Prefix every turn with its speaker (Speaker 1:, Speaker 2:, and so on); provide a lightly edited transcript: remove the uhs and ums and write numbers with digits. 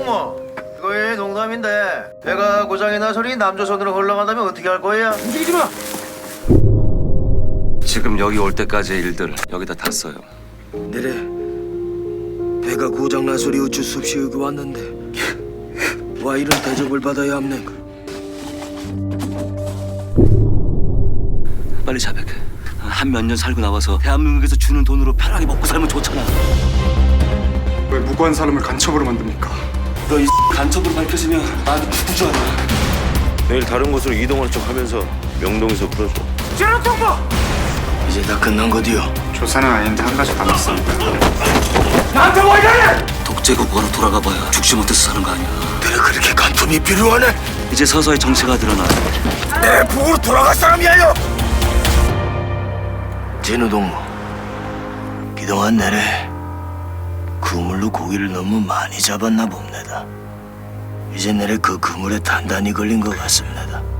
Speaker 1: 동무. 이거 농담인데 배가 고장이 나 소리 남조선으로 흘러간다면 어떻게 할 거야?
Speaker 2: 움직이지 마.
Speaker 3: 지금 여기 올 때까지의 일들 여기다 다 써요.
Speaker 2: 내래 배가 고장난 소리 어쩔 수 없이 여기 왔는데 와 이런 대접을 받아야 합네.
Speaker 3: 빨리 자백. 한 몇 년 살고 나와서 대한민국에서 주는 돈으로 편하게 먹고 살면 좋잖아.
Speaker 4: 왜 무고한 사람을 간첩으로 만듭니까?
Speaker 3: 너 이 간첩으로 밝혀지면 나한테 죽을 줄 알아.
Speaker 5: 내일 다른 곳으로 이동할 척 하면서 명동에서 풀어줘.
Speaker 2: 이제 다 끝난 거디요.
Speaker 4: 조사는 아닌데 한 가지 남았습니다.
Speaker 3: 독재국가로 돌아가봐야 죽지 못해서 사는 거 아니야.
Speaker 2: 내래 그렇게 간통이 필요하네.
Speaker 3: 이제 서서히 정체가 드러나.
Speaker 2: 내 북으로 돌아갈 사람이야요. 진우 동무, 그동안 내래 그물로 고기를 너무 많이 잡았나 봅니다. 이제 내래 그 그물에 단단히 걸린 것 같습니다.